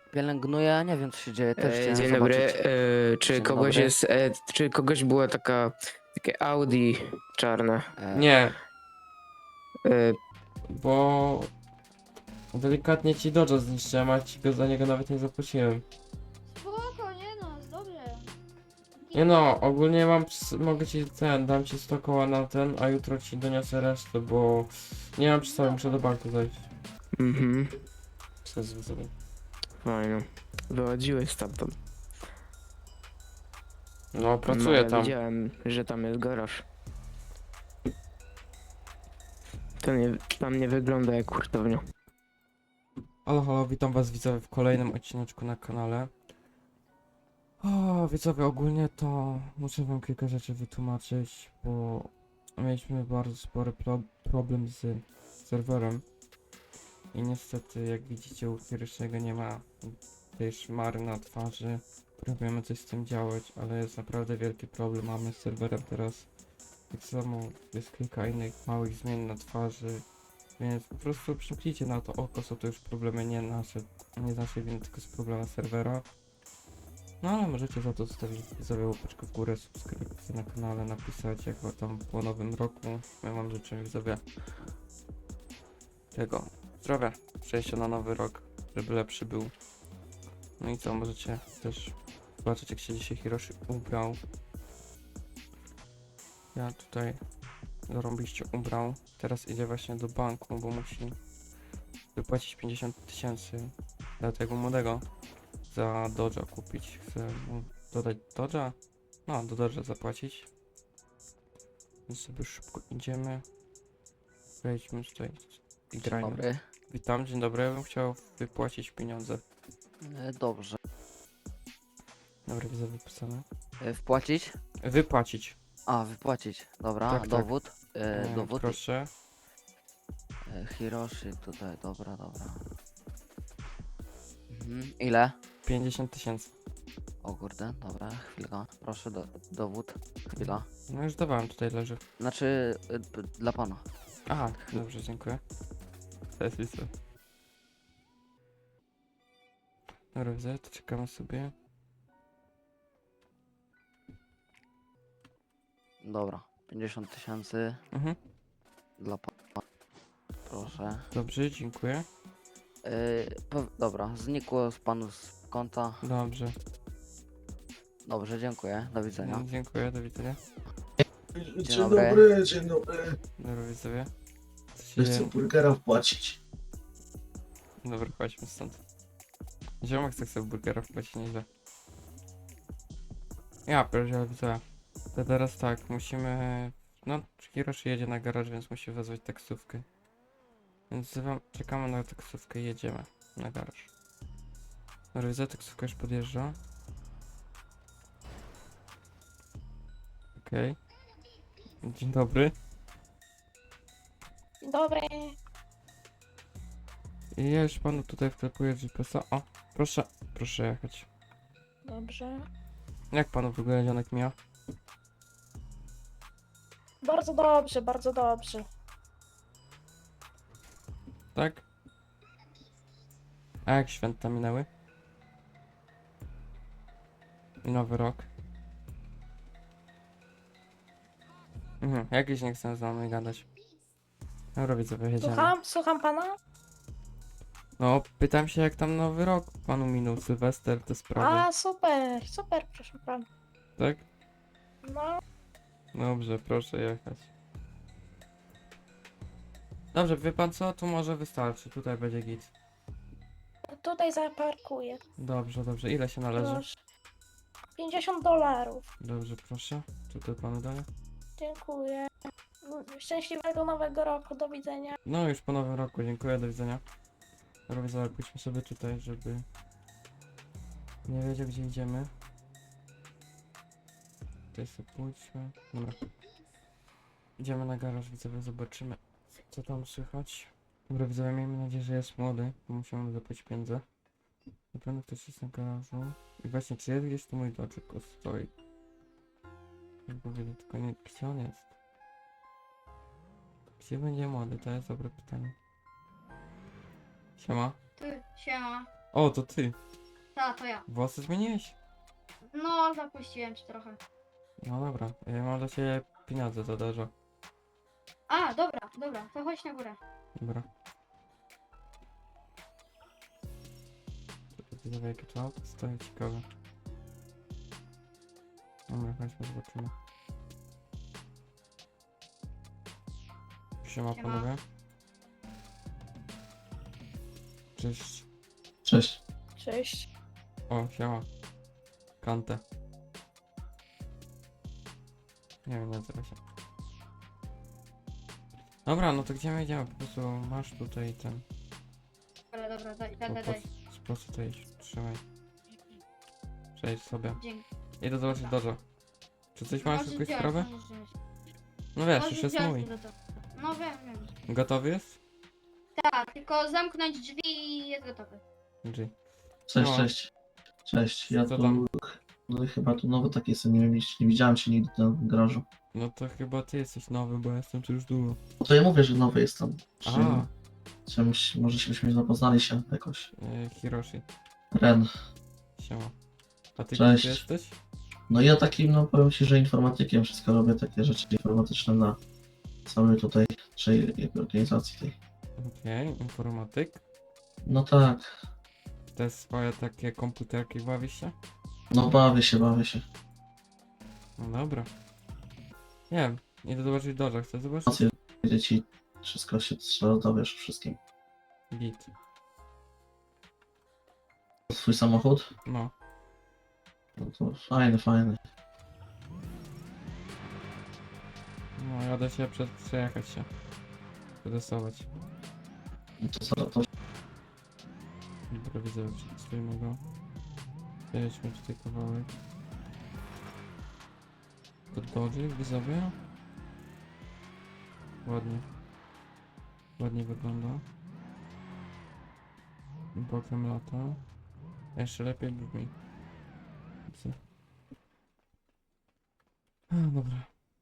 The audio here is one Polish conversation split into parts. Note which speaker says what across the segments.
Speaker 1: pielęgnuję, nie wiem co się dzieje, też chciałem
Speaker 2: Dzień dobry.
Speaker 1: zobaczyć.
Speaker 2: Czy
Speaker 1: Dzień
Speaker 2: kogoś
Speaker 1: dobry.
Speaker 2: jest. Czy kogoś było takie Audi czarne?
Speaker 3: Nie,
Speaker 2: E,
Speaker 3: bo delikatnie ci Dodge'a zniszczyłem, a ci go za niego nawet nie zapłaciłem.
Speaker 4: Spoko, nie no, jest dobrze.
Speaker 3: Nie no, ogólnie mogę ci dam ci 100 koła na ten, a jutro ci doniosę resztę, bo nie mam przy sobie, muszę do banku zajść.
Speaker 2: Mhm.
Speaker 3: Przez sobie.
Speaker 2: Fajno. Wychodziłeś stamtąd.
Speaker 3: No,
Speaker 2: No,
Speaker 3: pracuję
Speaker 2: ja
Speaker 3: tam.
Speaker 2: widziałem, że tam jest garaż. To nie, tam nie wygląda jak hurtownia.
Speaker 3: Halo, halo, witam was widzowie w kolejnym odcineczku na kanale. O, widzowie, ogólnie to muszę wam kilka rzeczy wytłumaczyć, bo mieliśmy bardzo spory problem z serwerem. I niestety, jak widzicie, u pierwszego nie ma tej szmary na twarzy. Próbujemy coś z tym działać, ale jest naprawdę wielki problem. Mamy z serwerem teraz. Tak samo jest kilka innych małych zmian na twarzy. Więc po prostu przymknijcie na to oko, są to już problemy nie nasze, nie z naszej winy, tylko z problemu serwera. No ale możecie za to zostawić sobie łapeczkę w górę, subskrypcję na kanale, napisać jak tam po nowym roku. My wam życzymy widzowie tego zdrowia, przejścia na nowy rok, żeby lepszy był. No i co, możecie też zobaczyć jak się dzisiaj Hiroshi ubrał. Ja tutaj zarąbiście ubrał. Teraz idzie właśnie do banku, bo musi wypłacić 50 000 dla tego młodego za Dodge'a kupić. Chcę mu dodać Dodge'a? No, do Dodge'a zapłacić. Więc sobie szybko idziemy. Wejdźmy tutaj i
Speaker 1: Dzień
Speaker 3: grajmy.
Speaker 1: dobry.
Speaker 3: Witam, dzień dobry. Ja bym chciał wypłacić pieniądze.
Speaker 1: Dobrze.
Speaker 3: Dobra, widzę wypisane.
Speaker 1: Wpłacić?
Speaker 3: Wypłacić.
Speaker 1: A, wypłacić. Dobra,
Speaker 3: Tak, tak.
Speaker 1: dowód. Dowód.
Speaker 3: Proszę.
Speaker 1: Hiroshi tutaj, dobra. Ile?
Speaker 3: 50 000.
Speaker 1: O kurde, dobra, chwilka. Proszę, dowód. Chwila.
Speaker 3: No już dawałem, tutaj leży.
Speaker 1: Znaczy, dla pana.
Speaker 3: Aha, dobrze, dziękuję. To jest lista. Dobra, widzę, to czekamy sobie.
Speaker 1: Dobra, 50 000
Speaker 3: Mhm.
Speaker 1: dla pana. Proszę.
Speaker 3: Dobrze, dziękuję.
Speaker 1: Dobra, znikło z panu z konta.
Speaker 3: Dobrze.
Speaker 1: Dobrze, dziękuję. Do widzenia.
Speaker 3: Dziękuję, do widzenia.
Speaker 1: Dzień
Speaker 5: Dobry, dzień dobry.
Speaker 3: Dobra, widzowie. Co się
Speaker 5: Chcę
Speaker 3: dzieje?
Speaker 5: burgera wpłacić.
Speaker 3: Dobra, chodźmy stąd. Ziomek chce w burgera wpłacić nieźle. Ja pierdzielę, widzowie. To teraz tak, musimy... No, Hiroshi jedzie na garaż, więc musi wezwać taksówkę. Więc czekamy na taksówkę i jedziemy na garaż. Dobra, widzę, taksówka już podjeżdża. Okej. Dzień dobry.
Speaker 4: Dzień dobry.
Speaker 3: I ja już panu tutaj wklepuję GPS-a. O, proszę jechać.
Speaker 4: Dobrze.
Speaker 3: Jak panu w ogóle dzionek mija?
Speaker 4: Bardzo dobrze, bardzo dobrze.
Speaker 3: Tak? A jak święta minęły? I nowy rok? Jakiś nie chcę z nami gadać. Dobra, widzowie, jedziemy.
Speaker 4: Słucham pana?
Speaker 3: No, pytam się jak tam nowy rok panu minął, Sylwester, te sprawy.
Speaker 4: A, super, proszę pana.
Speaker 3: Tak?
Speaker 4: No,
Speaker 3: Dobrze, proszę jechać. Dobrze, wie pan co? Tu może wystarczy, tutaj będzie git.
Speaker 4: tutaj zaparkuję.
Speaker 3: Dobrze, ile się należy?
Speaker 4: Proszę. $50.
Speaker 3: Dobrze, proszę. Tutaj panu daję.
Speaker 4: Dziękuję. Szczęśliwego nowego roku, do widzenia.
Speaker 3: No już po nowym roku, dziękuję, do widzenia. Dobra, widzowie, pójdźmy sobie tutaj, żeby nie wiedział gdzie idziemy. Tutaj sobie pójdźmy. Dobra. Idziemy na garaż, widzowie, zobaczymy co tam słychać. Dobra, widzowie, miejmy nadzieję, że jest młody, bo musimy zapłacić pieniądze. Na pewno ktoś jest na garażu. I właśnie, czy jest gdzieś tu mój doczek stoi? Bo widzę, tylko nie, gdzie on jest? Gdzie będzie młody? To jest dobre pytanie. Siema.
Speaker 6: Ty, siema.
Speaker 3: O, to ty.
Speaker 6: to ja.
Speaker 3: Włosy zmieniłeś?
Speaker 6: No, zapuściłem ci trochę.
Speaker 3: No dobra, ja mam dla ciebie pieniądze za dużo.
Speaker 6: A, dobra, to chodź na górę.
Speaker 3: Dobra. Widzę jakie to auto stoi ciekawe. Dobra, chodźmy, zobaczymy. Siema
Speaker 6: Siema.
Speaker 3: panowie. Cześć.
Speaker 5: Cześć.
Speaker 4: Cześć.
Speaker 3: O, siema. Kante. Nie wiem, nie nazywa się. Dobra, no to gdzie my idziemy? Po prostu masz tutaj ten...
Speaker 6: Ale dobra, daj.
Speaker 3: Po prostu tutaj trzymaj. Przejdź sobie.
Speaker 6: Dzięki.
Speaker 3: Idę zobaczyć dojo. Czy coś masz
Speaker 6: Możesz
Speaker 3: jakąś
Speaker 6: wziąć,
Speaker 3: sprawę?
Speaker 6: możesz wziąć.
Speaker 3: No wiesz,
Speaker 6: Możesz
Speaker 3: już jest
Speaker 6: wziąć
Speaker 3: mój.
Speaker 6: do tego. No wiem.
Speaker 3: Gotowy jest?
Speaker 6: Tak, tylko zamknąć drzwi i jest gotowy.
Speaker 3: G.
Speaker 5: Cześć,
Speaker 3: No.
Speaker 5: cześć. Cześć, ja
Speaker 3: Co
Speaker 5: tu...
Speaker 3: tam?
Speaker 5: No chyba tu nowy taki jestem, nie widziałem cię nigdy tam w garażu.
Speaker 3: No to chyba ty jesteś nowy, bo ja jestem tu już długo.
Speaker 5: No to ja mówię, że nowy jestem.
Speaker 3: Aha,
Speaker 5: Czymś, może byśmy zapoznali się jakoś.
Speaker 3: Hiroshi.
Speaker 5: Ren.
Speaker 3: Siema. A ty
Speaker 5: Cześć.
Speaker 3: kim jesteś?
Speaker 5: No ja takim, no powiem ci, że informatykiem, wszystko robię, takie rzeczy informatyczne na całej tutaj, naszej organizacji tej.
Speaker 3: Okej, informatyk.
Speaker 5: No tak,
Speaker 3: Te swoje takie komputerki bawisz się?
Speaker 5: no bawię się.
Speaker 3: No dobra. Nie wiem, idę zobaczyć dojo, chcę zobaczyć?
Speaker 5: Informacje, dzieci, wszystko się trzeba dowiesz o wszystkim.
Speaker 3: Git.
Speaker 5: Twój samochód?
Speaker 3: No.
Speaker 5: No to fajny.
Speaker 3: No, jadę się przejechać się. Przetestować.
Speaker 5: No to zaraz to
Speaker 3: Dobra, widzę, przetestujmy go. Przejedźmy tutaj kawałek. To dodzik, widzowie. Ładnie. Ładnie wygląda. Bokiem lata. Jeszcze lepiej brzmi. Co? A, dobra.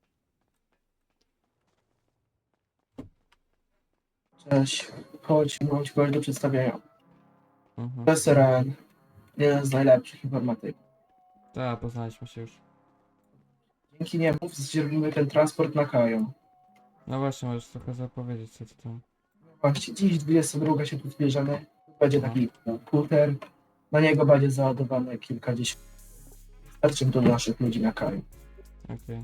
Speaker 7: Cześć, chodź, mam ci kogoś do przedstawienia.
Speaker 3: Mhm.
Speaker 7: To jest Ren, jeden z najlepszych informatyków.
Speaker 3: Tak, poznaliśmy się już.
Speaker 7: Dzięki niemu zdzierpimy ten transport na Kają.
Speaker 3: No właśnie, możesz trochę zapowiedzieć, co ty tam.
Speaker 7: Właśnie dziś 22 się tu zbierzemy. Będzie taki komputer, na niego będzie załadowane kilkadziesiąt. Starczy do naszych ludzi na Kaju.
Speaker 3: Okej.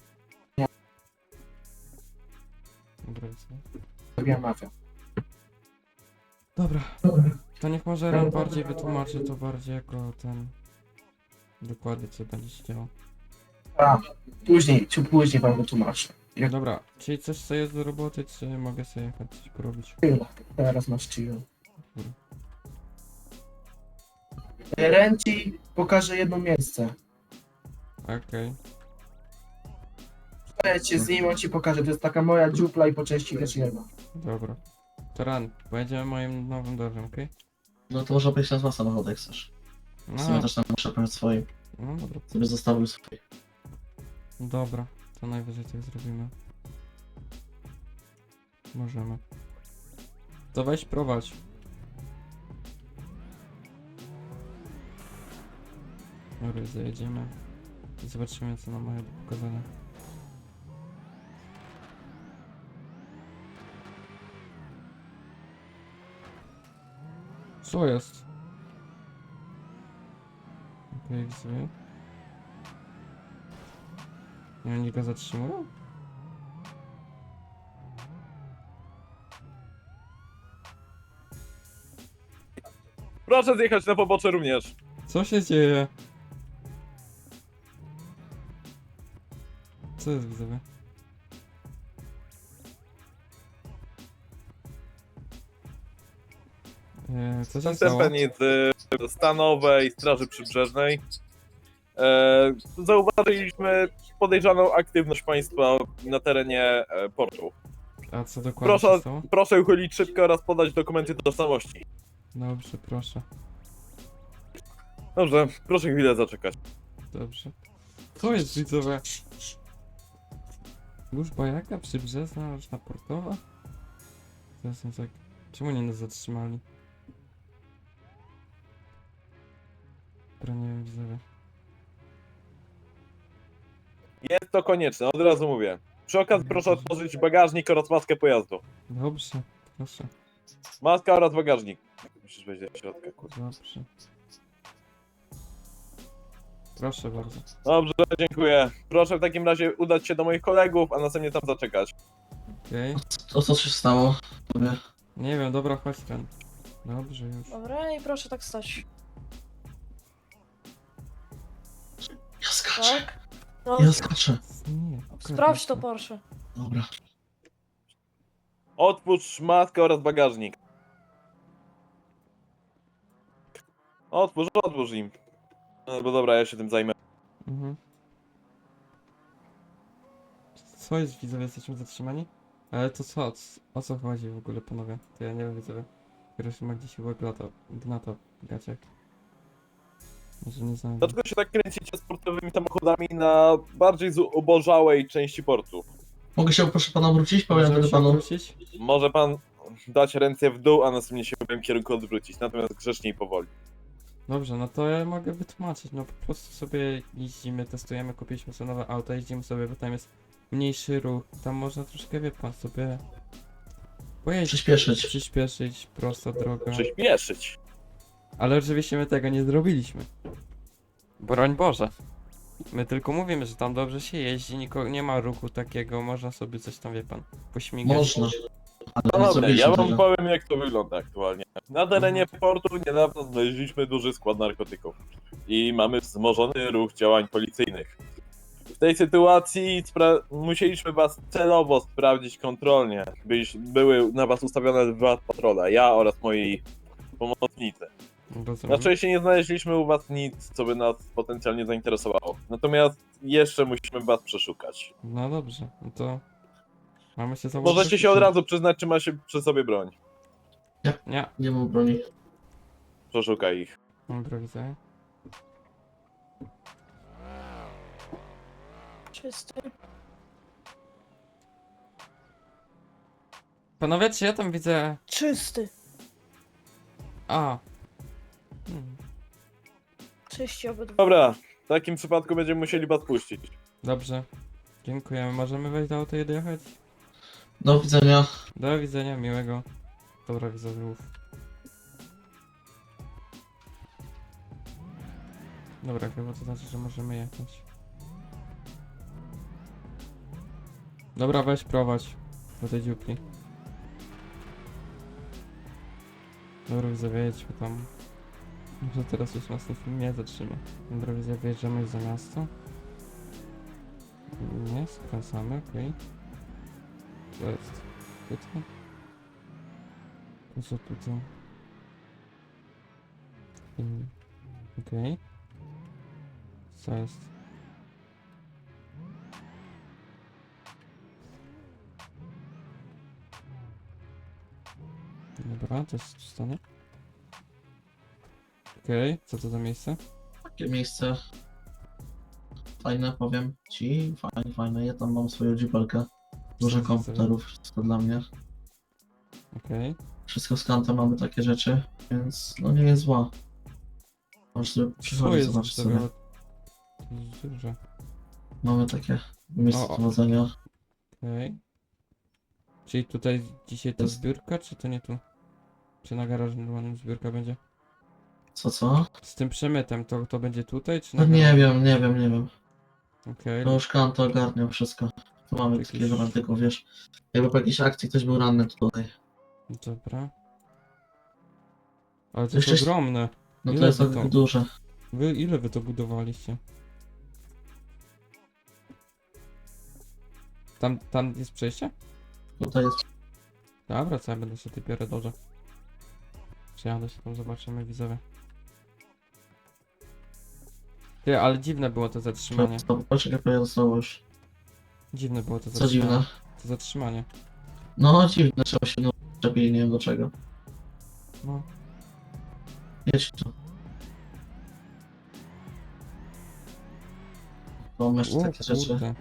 Speaker 3: Dobra, co?
Speaker 7: Ja mafia.
Speaker 3: Dobra. To niech może Ren bardziej wytłumaczy to bardziej jako ten... Dokładnie co będzie się działo.
Speaker 7: A, później wam wytłumaczę. Jak
Speaker 3: Dobra, czyli coś co jest do roboty, czy mogę sobie jechać coś porobić?
Speaker 7: chwilę, teraz masz chill. Ren ci pokaże jedno miejsce.
Speaker 3: Okej.
Speaker 7: Przejdź z nim, on ci pokaże. To jest taka moja dziupla i po części też jedna.
Speaker 3: Dobra. To Ren, będziemy moim nowym dożem, okej?
Speaker 5: No to może być nazwa samochodu, jak chcesz. W sumie
Speaker 3: No,
Speaker 5: też tam muszę powiedzieć swoim.
Speaker 3: no dobra.
Speaker 5: Sobie zostawił swój.
Speaker 3: Dobra, to najwyżej tak zrobimy. Możemy. To weź prowadź. Dobra, zajedziemy. I zobaczymy co nam mają do pokazania. Co jest? Okej, widzę. Nie, oni go zatrzymują?
Speaker 8: Proszę zjechać na pobocze również.
Speaker 3: Co się dzieje? Co jest widzowie? Co się
Speaker 8: Jestem
Speaker 3: stało?
Speaker 8: penicy stanowej Straży Przybrzeżnej. Zauważyliśmy podejrzaną aktywność państwa na terenie portu.
Speaker 3: A co dokładnie się stało?
Speaker 8: Proszę uchylić szybko oraz podać dokumenty tożsamości.
Speaker 3: Dobrze, proszę.
Speaker 8: Dobrze, proszę chwilę zaczekać.
Speaker 3: Dobrze. Co jest widzowie? Służba jaka? Przybrzeżna, roczna portowa? To jest tak... Czemu nie nas zatrzymali? wiem, widzowie.
Speaker 8: Jest to konieczne, od razu mówię. Przy okazji proszę otworzyć bagażnik oraz maskę pojazdu.
Speaker 3: Dobrze, proszę,
Speaker 8: Maska oraz bagażnik. Musisz wejść do środka, kurwa.
Speaker 3: dobrze. Proszę bardzo.
Speaker 8: Dobrze, dziękuję. Proszę w takim razie udać się do moich kolegów, a następnie tam zaczekać.
Speaker 3: Okej.
Speaker 5: To co się stało? Tobie?
Speaker 3: Nie wiem, dobra, chodź ten. Dobrze już.
Speaker 4: Dobra, i proszę tak stać.
Speaker 5: Ja skaczę,
Speaker 4: Tak? No,
Speaker 5: ja skaczę.
Speaker 3: Nie,
Speaker 4: sprawdź to, Porsche.
Speaker 5: Dobra.
Speaker 8: Otwórz maskę oraz bagażnik. Otwórz im. No bo dobra, ja się tym zajmę.
Speaker 3: Mhm. Co jest, widzowie, jesteśmy zatrzymani? Ale to co, o co chodzi w ogóle, panowie? To ja nie wiem, widzowie. Hiroshima gdzieś chyba gnata w gaciach. Może nie znam.
Speaker 8: Dlaczego się tak kręcicie sportowymi samochodami na bardziej zubożałej części portu?
Speaker 5: Mogę się proszę pana wrócić? Powiem
Speaker 3: Możemy
Speaker 5: wtedy
Speaker 3: się
Speaker 5: panu.
Speaker 3: obrócić?
Speaker 8: Może pan dać ręce w dół, a następnie się w moim kierunku odwrócić, natomiast grzecznie i powoli.
Speaker 3: Dobrze, no to ja mogę wytłumaczyć, no po prostu sobie jeździmy, testujemy, kupiliśmy sobie nowe auto, jeździmy sobie, bo tam jest mniejszy ruch, tam można troszkę, wie pan, sobie pojeździć, przyspieszyć, prosta droga.
Speaker 8: Przyspieszyć.
Speaker 3: Ale oczywiście my tego nie zrobiliśmy. Broń Boże. My tylko mówimy, że tam dobrze się jeździ, nie ma ruchu takiego, można sobie coś tam, wie pan, pośmigać.
Speaker 5: Można. Ale
Speaker 8: No
Speaker 5: nie
Speaker 8: dobra,
Speaker 5: zrobiliśmy
Speaker 8: ja wam
Speaker 5: tego.
Speaker 8: powiem jak to wygląda aktualnie. Na terenie portu niedawno znaleźliśmy duży skład narkotyków i mamy wzmożony ruch działań policyjnych. W tej sytuacji musieliśmy was celowo sprawdzić kontrolnie, były na was ustawione 2 patrole, ja oraz moi pomocnicy.
Speaker 3: Rozumiem.
Speaker 8: Na szczęście nie znaleźliśmy u was nic, co by nas potencjalnie zainteresowało. Natomiast jeszcze musimy was przeszukać.
Speaker 3: No dobrze, no to mamy się założyć.
Speaker 8: Możecie się od razu przyznać, czy ma się przy sobie broń.
Speaker 3: Nie,
Speaker 5: Nie mam broni.
Speaker 8: Przeszukaj ich.
Speaker 3: dobra, widzę.
Speaker 4: Czysty.
Speaker 3: Panowie, czy ja tam widzę...
Speaker 4: Czysty.
Speaker 3: A.
Speaker 4: Czyści obydwu.
Speaker 8: Dobra, w takim przypadku będziemy musieli was puścić.
Speaker 3: Dobrze. Dziękujemy. Możemy wejść do auta i dojechać?
Speaker 5: Do widzenia.
Speaker 3: Do widzenia, miłego. Dobra, widzów. Dobra, chyba to znaczy, że możemy jechać. Dobra, weź prowadź do tej dziupli. Dobra, widzowie, jedźmy tam. Może teraz już nas ten film nie zatrzyma. Dobra, widzowie, wyjeżdżamy za miasto. Nie, skręcamy, okej. To jest tutaj. To co tutaj? Okej. Co jest? Dobra, to jest stanie. Okej, co to za miejsce?
Speaker 5: Takie miejsce. Fajne, powiem ci. Fajne, fajne. Ja tam mam swoją dzipelkę. Dużo komputerów, wszystko dla mnie.
Speaker 3: Okej.
Speaker 5: Wszystko z kanta mamy takie rzeczy, więc no nie jest zła. Możesz sobie
Speaker 3: Co
Speaker 5: przychodzić,
Speaker 3: jest
Speaker 5: zobaczyć sobie.
Speaker 3: to jest duże.
Speaker 5: Mamy takie miejsce
Speaker 3: O.
Speaker 5: prowadzenia.
Speaker 3: Okej. Czyli tutaj dzisiaj to
Speaker 5: Jest.
Speaker 3: zbiórka, czy to nie tu? Czy na garażu normalnym zbiórka będzie?
Speaker 5: Co?
Speaker 3: Z tym przemytem, to będzie tutaj, czy
Speaker 5: No
Speaker 3: na
Speaker 5: nie
Speaker 3: garażu?
Speaker 5: wiem, nie wiem, nie wiem.
Speaker 3: Okej.
Speaker 5: No już Kanto ogarniał wszystko. Tu mamy
Speaker 3: Jakiś-
Speaker 5: takiego rantyku, wiesz. Jakby po jakiejś akcji ktoś był ranny tutaj.
Speaker 3: Dobra. Ale to
Speaker 5: Jeszcze-
Speaker 3: jest ogromne.
Speaker 5: No
Speaker 3: Ile
Speaker 5: to jest
Speaker 3: wy
Speaker 5: tak
Speaker 3: to?
Speaker 5: duże.
Speaker 3: Ile wy to budowaliście? Tam jest przejście?
Speaker 5: Tutaj jest.
Speaker 3: Dobra, co ja będę się ty biorę dobrze. Przejadę się tam, zobaczymy widzowie. Ty, ale dziwne było to zatrzymanie.
Speaker 5: Poczekaj, pojadę już.
Speaker 3: Dziwne było to
Speaker 5: Co
Speaker 3: zatrzymanie.
Speaker 5: dziwne?
Speaker 3: To zatrzymanie.
Speaker 5: No dziwne, trzeba się no czepili, nie wiem do czego.
Speaker 3: No.
Speaker 5: Jedź tu. Mam jeszcze
Speaker 3: O,
Speaker 5: takie rzeczy.
Speaker 3: kurde.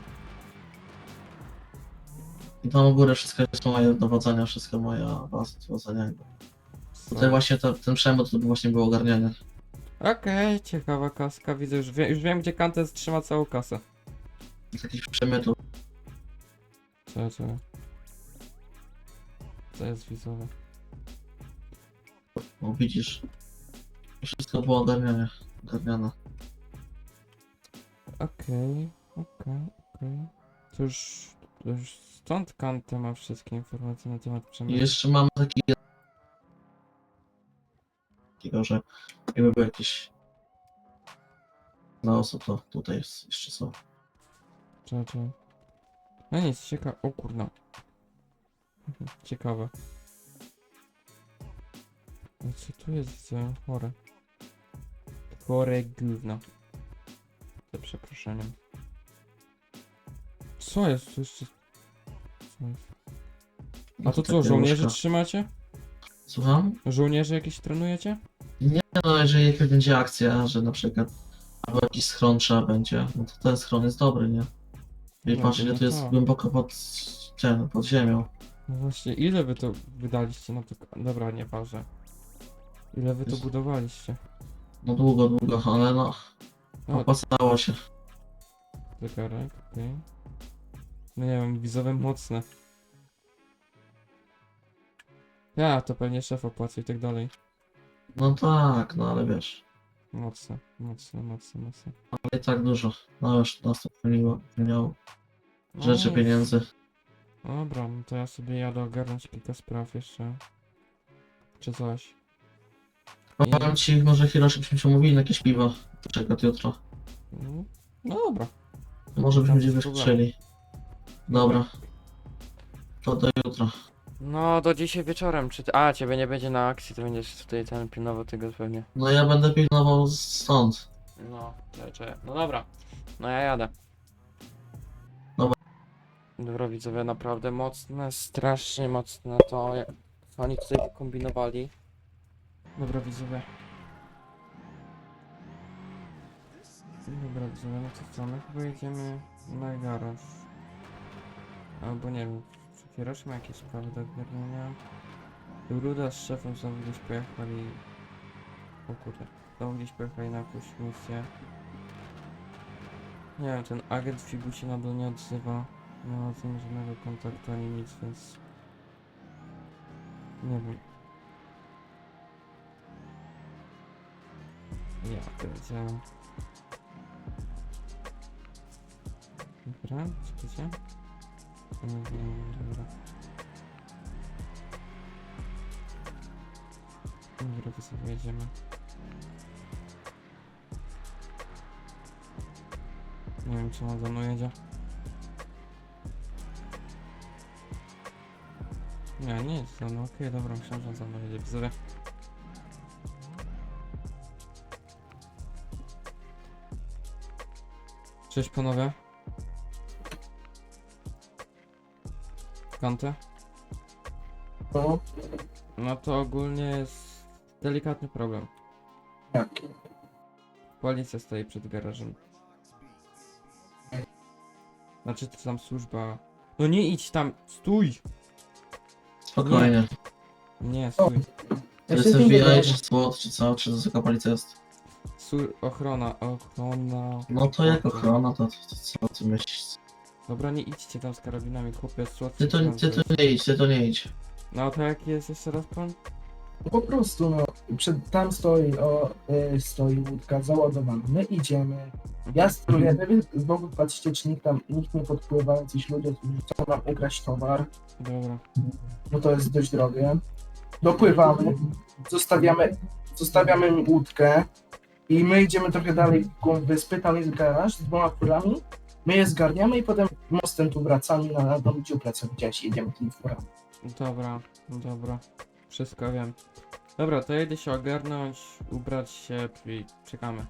Speaker 5: I tam u góry wszystko jest moje dowodzenia, wszystko moja baza dowodzenia. Tutaj właśnie ten przemysł to właśnie było ogarnianie.
Speaker 3: Okej, ciekawa kaska, widzę, już wiem gdzie Kantes trzyma całą kasę.
Speaker 5: Z jakichś przemytów.
Speaker 3: Co? Co jest widzowe?
Speaker 5: Bo widzisz, wszystko było ogarniane.
Speaker 3: Okej. To już stąd Kante ma wszystkie informacje na temat
Speaker 5: I
Speaker 3: przemysłu.
Speaker 5: jeszcze mamy takiego, że jakby był jakiś na osób, to tutaj jest jeszcze są.
Speaker 3: Czy. No nic, ciekawe. O kurna. Ciekawe. No co tu jest, widzę? Chore. Chore gówno. Za przeproszeniem. Co jest? Tu jeszcze... Co jest? A to co,
Speaker 5: takie
Speaker 3: żołnierzy
Speaker 5: łóżka.
Speaker 3: trzymacie?
Speaker 5: Słucham?
Speaker 3: Żołnierzy jakieś trenujecie?
Speaker 5: Nie no, jeżeli jakaś będzie akcja, że na przykład albo jakiś schron trzeba będzie, no to ten schron jest dobry, nie? I
Speaker 3: No,
Speaker 5: patrz,
Speaker 3: no
Speaker 5: ile tu jest
Speaker 3: tak.
Speaker 5: głęboko pod ziemią.
Speaker 3: No właśnie, ile wy to wydaliście na to... Dobra, nieważne. Ile wy to
Speaker 5: Jest-
Speaker 3: budowaliście?
Speaker 5: No długo, ale no,
Speaker 3: No,
Speaker 5: opłacało się.
Speaker 3: zegarek, okej. No nie wiem, widzowe mocne. Ja, to pewnie szef opłaca i tak dalej.
Speaker 5: No tak, no ale wiesz,
Speaker 3: Mocne.
Speaker 5: ale i tak dużo. No już nas to pełniało rzeczy,
Speaker 3: No,
Speaker 5: pieniędzy.
Speaker 3: Dobra, no to ja sobie jadę ogarnąć kilka spraw jeszcze. Czy coś.
Speaker 5: No
Speaker 3: Nie.
Speaker 5: powiem ci, może Hiroshi byśmy się umówili na jakieś piwo. Czekać jutro.
Speaker 3: No dobra.
Speaker 5: Może byśmy
Speaker 3: Tam
Speaker 5: gdzieś
Speaker 3: bez problemu.
Speaker 5: wyskoczyli. Dobra. To do jutra.
Speaker 2: No, do dzisiaj wieczorem. A, ciebie nie będzie na akcji, to będziesz tutaj ten pilnował tego pewnie.
Speaker 5: No ja będę pilnował stąd.
Speaker 2: No, czekaj. No dobra. No ja jadę.
Speaker 5: Dobra.
Speaker 2: Dobra, widzowie, naprawdę mocne, strasznie mocne to, jak oni tutaj kombinowali.
Speaker 3: Dobra, widzowie. Dobra, widzowie, no to co? My chyba jedziemy na garaż. Albo nie wiem, czy Hiroshi ma jakieś sprawy do ogarnienia? Ruda z szefem znowu gdzieś pojechali... O kurde. Znowu gdzieś pojechali na jakąś misję. Nie wiem, ten agent Fibu się nadal nie odzywa. Nie ma z nim żadnego kontaktu ani nic, więc... Nie wiem. Ja pierdzielę. Dobra, czekajcie. Dobra. Dobra, to sobie jedziemy. Nie wiem, czy on za mną jedzie. Nie jest za mną. Okej, dobra, myślałem, że on za mną jedzie. Widzowie. Cześć panowie. Kante?
Speaker 7: No,
Speaker 3: No to ogólnie jest delikatny problem.
Speaker 7: jaki?
Speaker 3: Policja stoi przed garażem. Znaczy to tam służba... No nie idź tam! Stój!
Speaker 5: Spokojnie.
Speaker 3: Nie, stój.
Speaker 5: To
Speaker 7: Ja
Speaker 5: jest
Speaker 7: się z nim
Speaker 5: FBI,
Speaker 7: dogadam.
Speaker 5: czy SWAT, czy co? Czy to taka policja jest?
Speaker 3: Ochrona.
Speaker 5: No to jak ochrona, to co ty myślisz?
Speaker 3: Dobra, nie idźcie tam z karabinami, chłopie, słodki.
Speaker 5: Ty to nie idź.
Speaker 3: No to jaki jest jeszcze raz plan?
Speaker 7: No po prostu, no, tam stoi łódka załadowana, my idziemy, ja steruję, wy w ogóle patrzcie, czy nikt nie podpływa, jacyś ludzie chcą nam ukraść towar,
Speaker 3: Dobra.
Speaker 7: no to jest dość drogie. Dopływamy, zostawiamy łódkę i my idziemy trochę dalej w głąb wyspy, tam jest garaż z 2 furami, my je zgarniamy i potem mostem tu wracamy na dom dziuplę, co widziałeś, i jedziemy tymi furami.
Speaker 3: Dobra. Wszystko wiem. Dobra, to jedę się ogarnąć, ubrać się i czekamy.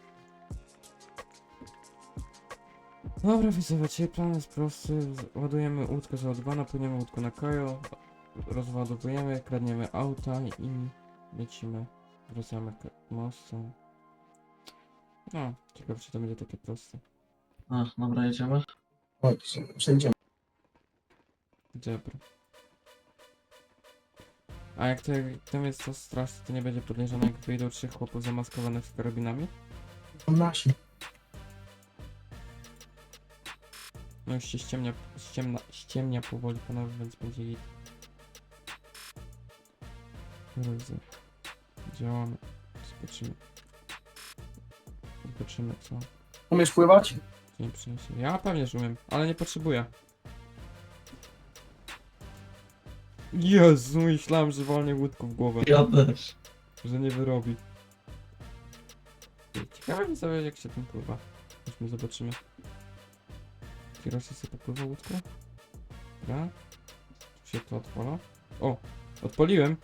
Speaker 3: Dobra, widzowie, czyli plan jest prosty. Ładujemy łódkę załadowaną, płyniemy łódką na Kajo, rozładowujemy, kradniemy auta i lecimy. Wracamy mostem. No, ciekawe czy to będzie takie proste.
Speaker 5: A, dobra, jedziemy.
Speaker 7: Chodź, przejdziemy.
Speaker 3: Dobra. A jak tam jest to straż, to nie będzie podejrzane, jak wyjdą 3 chłopów zamaskowanych z karabinami?
Speaker 7: Są nasi.
Speaker 3: No już się ściemnia powoli, panowie, więc będzie git. Drodzy, działamy. Zobaczymy co
Speaker 7: Umiesz pływać?
Speaker 3: dzień przyniesie. Ja pewnie że umiem, ale nie potrzebuję. Jezu, myślałem, że walnie łódką w głowę,
Speaker 5: Ja też.
Speaker 3: że nie wyrobi. Ciekawe mi sobie jak się tym pływa. Chodźmy zobaczymy. Kierowca sobie popływa łódką? Dobra. Czy się to odpala? O! Odpaliłem!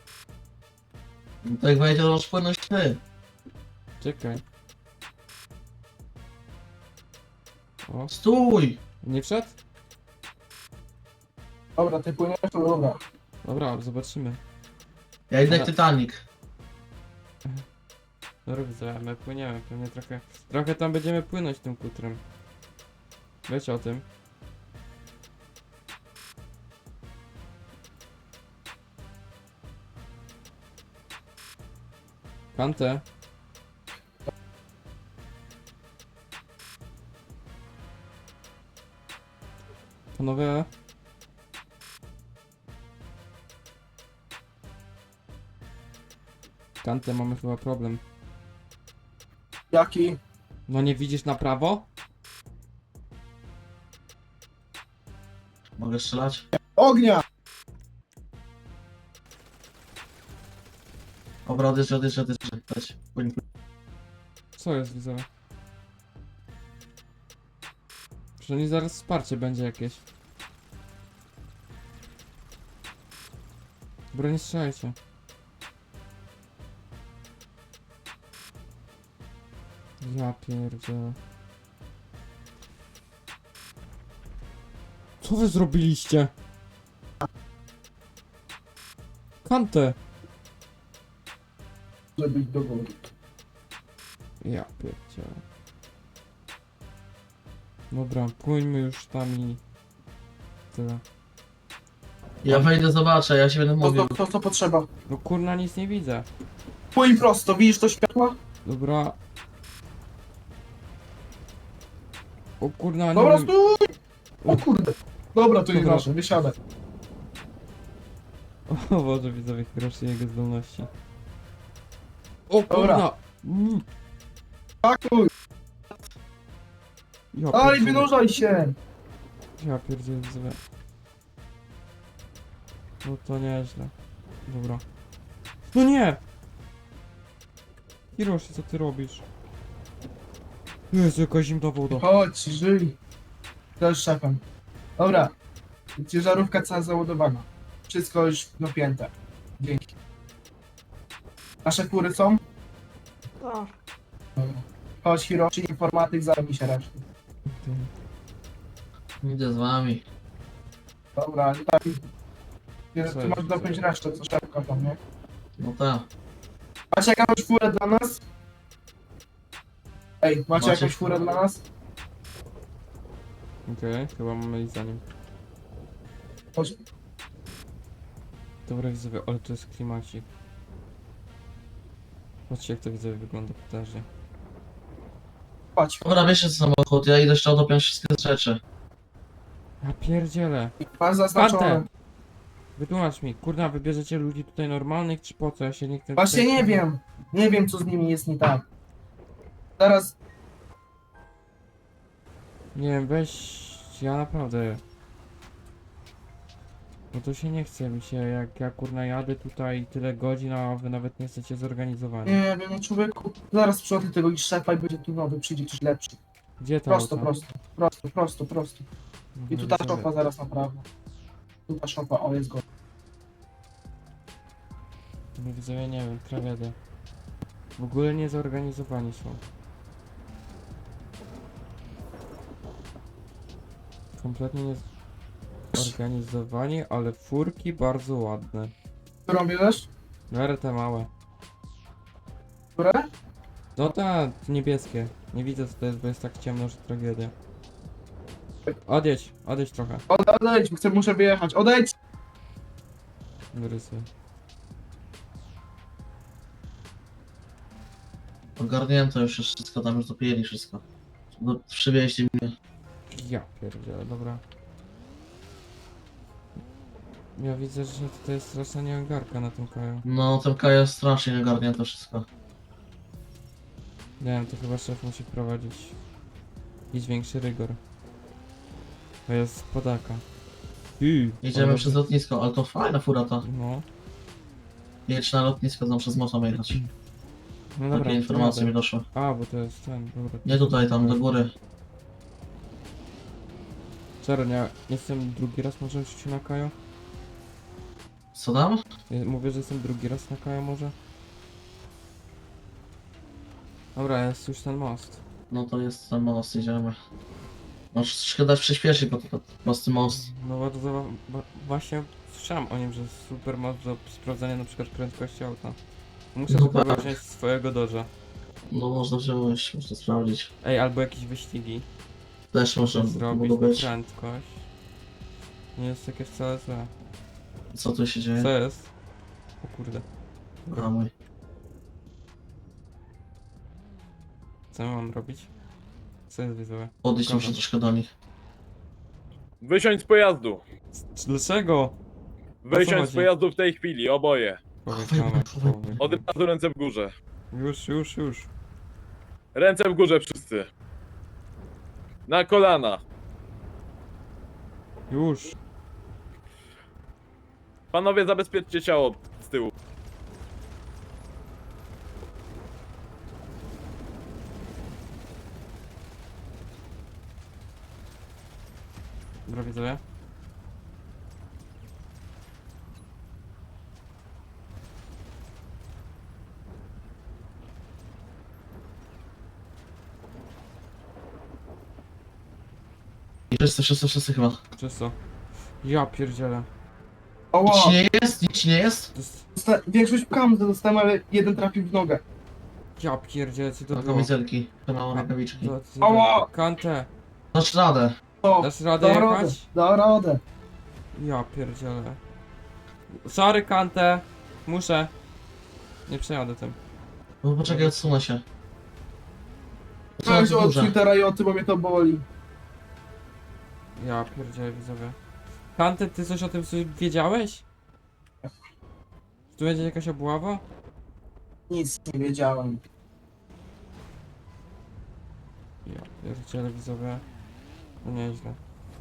Speaker 5: No to jak wejdzie, to masz płynąć ty.
Speaker 3: Czekaj. O,
Speaker 5: Stój!
Speaker 3: nie wszedł?
Speaker 7: Dobra, ty płyniesz, to dobra.
Speaker 3: Dobra, zobaczymy.
Speaker 5: Ja idę jak
Speaker 3: Ale-
Speaker 5: Titanic.
Speaker 3: Dobra, widzę, my płyniemy, pewnie trochę tam będziemy płynąć tym kutrem. Wiecie o tym? Kante. Panowie. Kante, mamy chyba problem.
Speaker 7: Jaki?
Speaker 3: No nie widzisz na prawo?
Speaker 5: Mogę strzelać?
Speaker 7: Ognia!
Speaker 5: Dobra, odjeżdżę. Leć. Płyń.
Speaker 3: Co jest, widzowie? Przynajmniej zaraz wsparcie będzie jakieś. Dobra, nie strzelajcie. Ja pierdzielę. Co wy zrobiliście? Kantę!
Speaker 7: Żeby iść do wody.
Speaker 3: Ja pierdzielę. Dobra, płyńmy już tam i... Tyle.
Speaker 5: Ja wejdę, zobaczę, ja się będę mówił.
Speaker 7: Co potrzeba?
Speaker 3: No kurna, nic nie widzę.
Speaker 7: Płyń prosto, widzisz to światło?
Speaker 3: Dobra. O kurna, nie
Speaker 7: Dobra,
Speaker 3: wiem.
Speaker 7: stój! O kurde. Dobra, to nie
Speaker 3: Dobra.
Speaker 7: nasze, wysiadaj.
Speaker 3: O Boże, widzowie, groszy jego zdolności. O
Speaker 7: Dobra.
Speaker 3: kurna! Mm.
Speaker 7: Pakuj!
Speaker 3: Ja
Speaker 7: Daj,
Speaker 3: pierdzielę.
Speaker 7: wynurzaj się!
Speaker 3: Ja pierdzielę, widzowie. No to nieźle. Dobra. No nie! Hiroshi, co ty robisz? Jezu, jaka zimna woda.
Speaker 7: Chodź, żyj. To jest szefem. Dobra. Ciężarówka cała załadowana. Wszystko już napięte. Dzięki. Nasze kury są?
Speaker 4: O,
Speaker 7: Dobra. Chodź, Hiroshi, informatyk, zajmij się resztą.
Speaker 5: Idę z wami.
Speaker 7: Dobra, nie tak. Nie,
Speaker 3: Co
Speaker 7: ty
Speaker 3: jest?
Speaker 7: masz dopiąć resztę, co szybko tam, nie?
Speaker 5: No tak.
Speaker 7: Macie jakąś furę dla nas? Ej, macie
Speaker 5: Macie
Speaker 7: jakąś furę
Speaker 5: furę?
Speaker 7: dla nas?
Speaker 3: Okej, chyba mamy iść za nim.
Speaker 7: Chodź.
Speaker 3: Dobra, widzowie, ale to jest klimacik. Patrzcie, jak to widzowie wygląda potężnie.
Speaker 7: Chodź.
Speaker 5: Dobra, bierzcie samochód, ja idę jeszcze odopiąć wszystkie rzeczy.
Speaker 3: Ja pierdzielę.
Speaker 7: Masz zaznaczone.
Speaker 3: Pantę! Wytłumacz mi, kurna, wybierzecie ludzi tutaj normalnych, czy po co? Ja się nie chcę...
Speaker 7: Właśnie
Speaker 3: tutaj-
Speaker 7: nie wiem. Nie wiem, co z nimi jest nie tak. Zaraz.
Speaker 3: Nie wiem, weź... Ja naprawdę... Bo to się nie chce mi się, jak ja kurna jadę tutaj tyle godzin, a wy nawet nie chcecie zorganizowani.
Speaker 7: Nie wiem, no człowieku. Zaraz przychodzę tego i szefa i będzie tu nowy, przyjdzie coś lepszy.
Speaker 3: Gdzie to
Speaker 7: Prosto,
Speaker 3: auto?
Speaker 7: prosto. I tu ta szopa zaraz naprawdę. Tu ta szopa, o jest go.
Speaker 3: No widzę, ja nie wiem, tragedia. W ogóle nie zorganizowani są. Kompletnie nie zorganizowani, ale furki bardzo ładne.
Speaker 7: Którą bierzesz?
Speaker 3: Miarę te małe.
Speaker 7: Które?
Speaker 3: No te niebieskie. Nie widzę co to jest, bo jest tak ciemno, że tragedia. Odejdź trochę.
Speaker 7: Odejdź, muszę wyjechać, odejdź!
Speaker 3: Wyrysy.
Speaker 5: Ogarnięto już wszystko, tam już dopijeli wszystko. No, przywieźli mnie.
Speaker 3: Ja pierdzielę, dobra. Ja widzę, że tutaj jest straszna nieogarka na tym kraju.
Speaker 5: No, ten Kaja jest strasznie nieogarnięte wszystko.
Speaker 3: Nie wiem, to chyba szef musi wprowadzić jakiś większy rygor. To jest podaka.
Speaker 5: Jedziemy
Speaker 3: ale-
Speaker 5: przez lotnisko, ale to fajna fura ta.
Speaker 3: No,
Speaker 5: Jedź na lotnisko, tam przez most mamy jechać.
Speaker 3: no dobra.
Speaker 5: Takie informacje
Speaker 3: jadę.
Speaker 5: mi doszły.
Speaker 3: A, bo to jest ten, dobra.
Speaker 5: Nie tutaj, tam do góry.
Speaker 3: Czarnia, nie jestem drugi raz może w życiu na Kaju?
Speaker 5: Co tam?
Speaker 3: Mówię, że jestem drugi raz na Kaju może? Dobra, jest już ten most.
Speaker 5: No to jest ten most, jedziemy. Możesz troszkę dać przyspieszyć, bo to prosty most.
Speaker 3: No bardzo, właśnie słyszałem o nim, że jest super most do sprawdzania na przykład prędkości auta. Muszę
Speaker 5: No
Speaker 3: sobie
Speaker 5: tak.
Speaker 3: wziąć swojego Dodge'a.
Speaker 5: No można wziąć, można sprawdzić.
Speaker 3: Ej, albo jakieś wyścigi.
Speaker 5: Też może
Speaker 3: Zrobić
Speaker 5: mogło
Speaker 3: na
Speaker 5: być.
Speaker 3: prędkość. Nie jest takie wcale złe.
Speaker 5: Co tu się dzieje?
Speaker 3: Co jest? O kurde.
Speaker 5: A mój.
Speaker 3: Co ja mam robić? Co jest widzowie?
Speaker 5: Podejść
Speaker 3: Dobra.
Speaker 5: muszę troszkę do nich.
Speaker 8: Wysiądź z pojazdu!
Speaker 3: Dlaczego?
Speaker 8: Wysiądź z
Speaker 3: chodzi?
Speaker 8: pojazdu w tej chwili, oboje.
Speaker 3: Powiedziane.
Speaker 8: Od razu ręce w górze.
Speaker 3: Już.
Speaker 8: Ręce w górze wszyscy. Na kolana.
Speaker 3: Już.
Speaker 8: Panowie, zabezpieczcie ciało z tyłu.
Speaker 3: Dobra widzowie.
Speaker 5: I wszyscy chyba.
Speaker 3: Czysto. Ja pierdzielę.
Speaker 7: Oło,
Speaker 5: Nic ci nie jest? Nic ci nie jest?
Speaker 3: To jest...
Speaker 7: większość kamzy dostałem, ale jeden trafił w nogę.
Speaker 3: Ja pierdzielę, co to
Speaker 5: To
Speaker 3: było?
Speaker 5: kamizelki, to rękawiczki.
Speaker 7: Ała!
Speaker 3: Kantę,
Speaker 5: Dasz radę.
Speaker 7: To,
Speaker 3: dasz radę
Speaker 7: da radę,
Speaker 3: jechać?
Speaker 7: da radę.
Speaker 3: Ja pierdzielę. Sorry Kantę. Muszę. Nie przejadę tym.
Speaker 5: No poczekaj, odsunę się.
Speaker 7: Weź
Speaker 5: w
Speaker 7: od
Speaker 5: górze.
Speaker 7: Twittera i ocy, bo mnie to boli.
Speaker 3: Ja pierdzielę widzowie. Kantę, ty coś o tym coś wiedziałeś? Tu będzie jakaś obława?
Speaker 7: Nic nie wiedziałem.
Speaker 3: Ja pierdzielę widzowie. No nieźle.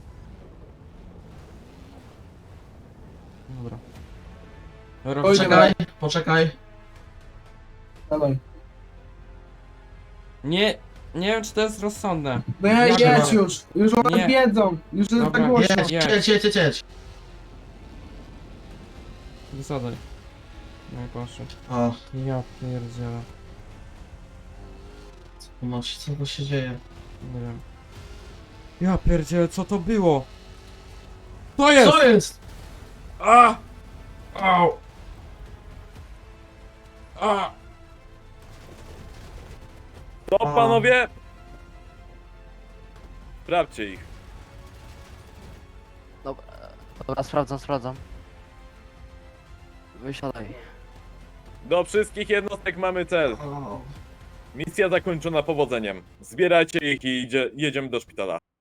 Speaker 3: Dobra. Dobra,
Speaker 7: Oj,
Speaker 5: Poczekaj, poczekaj.
Speaker 7: Dawaj.
Speaker 3: nie wiem czy to jest rozsądne.
Speaker 7: No ja
Speaker 3: Ja
Speaker 7: jedź
Speaker 3: chyba-
Speaker 7: już one
Speaker 3: Nie.
Speaker 7: wiedzą, już jest
Speaker 3: Dobra,
Speaker 7: tak głośno.
Speaker 5: Jedź.
Speaker 3: Wysadzaj. No i proszę.
Speaker 5: A,
Speaker 3: Ja pierdzielę.
Speaker 5: co tu się dzieje?
Speaker 3: Nie wiem. Ja pierdzielę, co to było? To jest!
Speaker 5: Co jest?
Speaker 3: A! Au! A!
Speaker 8: To panowie! Sprawdźcie ich.
Speaker 1: Dobra, sprawdzam. Wysiadaj.
Speaker 8: Do wszystkich jednostek mamy cel. Misja zakończona powodzeniem. Zbierajcie ich i jedziemy do szpitala.